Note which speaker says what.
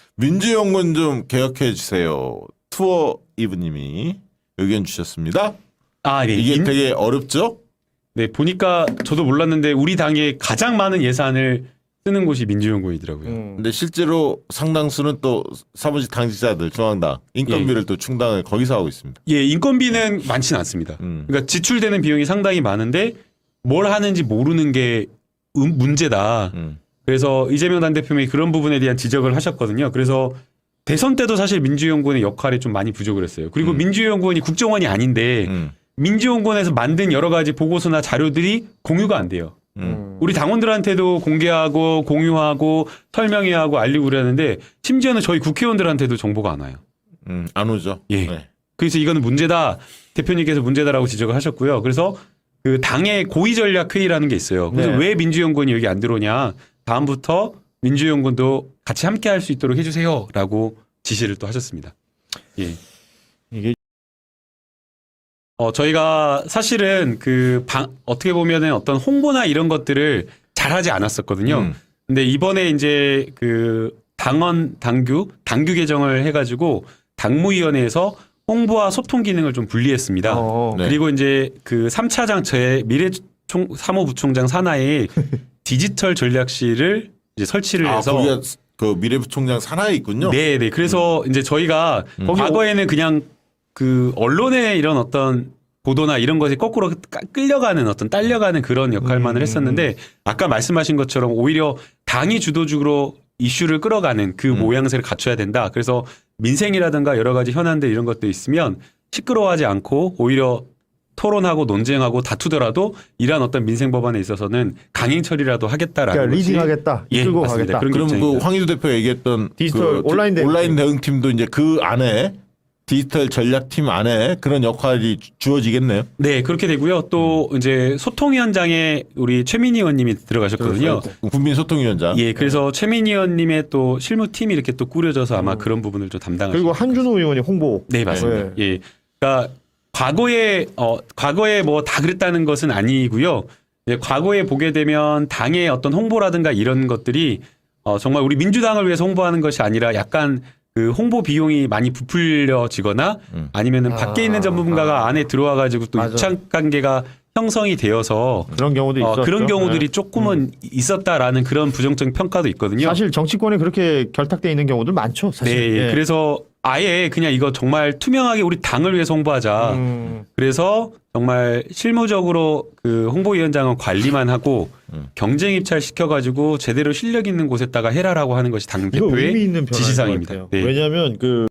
Speaker 1: 민주연구원 좀 개혁해 주세요. 투어 이브님이 의견 주셨습니다.
Speaker 2: 아, 네.
Speaker 1: 이게 되게 어렵죠?
Speaker 2: 네, 보니까 저도 몰랐는데 우리 당에 가장 많은 예산을 쓰는 곳이 민주연구원이더라고요.
Speaker 1: 근데 실제로 상당수는 또 사무직 당직자들 중앙당 인건비를 또 충당을 거기서 하고 있습니다.
Speaker 2: 예, 인건비는 많지는 않습니다. 그러니까 지출되는 비용이 상당히 많은데 뭘 하는지 모르는 게 문제다. 그래서 이재명 당대표님이 그런 부분에 대한 지적을 하셨거든요. 그래서 대선 때도 사실 민주연구원의 역할이 좀 많이 부족을 했어요. 그리고 민주연구원이 국정원이 아닌데 민주연구원에서 만든 여러 가지 보고서나 자료들이 공유가 안 돼요. 우리 당원들한테도 공개하고 공유하고 설명해야 하고 알리고 그러는데 심지어는 저희 국회의원들한테도 정보가 안 와요.
Speaker 1: 안 오죠.
Speaker 2: 예.
Speaker 1: 네.
Speaker 2: 그래서 이거는 문제다. 대표님께서 문제다라고 지적을 하셨고요. 그래서 그 당의 고위전략회의라는 게 있어요. 그래서
Speaker 3: 네.
Speaker 2: 왜 민주연구원이 여기 안 들어오냐. 다음부터 민주연구원도 같이 함께 할 수 있도록 해주세요라고 지시를 또 하셨습니다. 예.
Speaker 1: 이게
Speaker 2: 저희가 사실은 어떻게 보면은 어떤 홍보나 이런 것들을 잘하지 않았었거든요. 근데 이번에 이제 당규 개정을 해가지고 당무위원회에서 홍보와 소통 기능을 좀 분리했습니다.
Speaker 1: 네.
Speaker 2: 그리고 이제 3차장 사무부총장 산하에 디지털 전략실을 이제 설치를 해서
Speaker 1: 거기가 그 미래부총장 산하에 있군요.
Speaker 2: 네. 그래서 이제 저희가 과거에는 그냥 언론의 이런 어떤 보도나 이런 것이 거꾸로 딸려가는 그런 역할만을 했었는데 아까 말씀하신 것처럼 오히려 당이 주도적으로 이슈를 끌어가는 그 모양새를 갖춰야 된다. 그래서 민생이라든가 여러 가지 현안들 이런 것도 있으면 시끄러워하지 않고 오히려 토론하고 논쟁하고 다투더라도 이러한 어떤 민생 법안에 있어서는 강행 처리라도 하겠다라는
Speaker 3: 그러니까
Speaker 2: 것이
Speaker 3: 리딩하겠다,
Speaker 2: 예,
Speaker 3: 이끌고
Speaker 2: 맞습니다.
Speaker 3: 가겠다.
Speaker 2: 그런 게
Speaker 1: 그럼
Speaker 2: 입장입니다.
Speaker 1: 황희도 대표가 얘기했던
Speaker 3: 디지털 온라인
Speaker 1: 대응팀도 이제 그 안에 디지털 전략팀 안에 그런 역할이 주어지겠네요.
Speaker 2: 네, 그렇게 되고요. 또 이제 소통위원장에 우리 최민희 의원님이 들어가셨거든요.
Speaker 1: 국민소통위원장.
Speaker 2: 예, 그래서 최민희 의원님의 또 실무팀이 이렇게 또 꾸려져서 아마 그런 부분을 좀 담당하실
Speaker 3: 그리고 한준호 의원이 홍보.
Speaker 2: 네, 맞습니다. 예. 그러니까 과거에 뭐 다 그랬다는 것은 아니고요. 예, 과거에 보게 되면 당의 어떤 홍보라든가 이런 것들이 정말 우리 민주당을 위해서 홍보하는 것이 아니라 약간 그 홍보 비용이 많이 부풀려지거나 아니면은 밖에 있는 전문가가 안에 들어와 가지고 또
Speaker 3: 맞아.
Speaker 2: 유착 관계가 형성이 되어서
Speaker 3: 그런 경우도 있었죠.
Speaker 2: 그런 경우들이
Speaker 3: 네.
Speaker 2: 조금은 있었다라는 그런 부정적인 평가도 있거든요.
Speaker 3: 사실 정치권에 그렇게 결탁돼 있는 경우들 많죠. 사실.
Speaker 2: 네,
Speaker 3: 예.
Speaker 2: 그래서 아예 그냥 이거 정말 투명하게 우리 당을 위해서 홍보하자. 그래서 정말 실무적으로 그 홍보위원장은 관리만 하고 경쟁 입찰 시켜가지고 제대로 실력 있는 곳에다가 해라라고 하는 것이 당
Speaker 3: 이거 의미
Speaker 2: 대표의
Speaker 3: 있는 변화인 것
Speaker 2: 지시사항입니다.
Speaker 3: 같아요.
Speaker 2: 네.
Speaker 3: 왜냐하면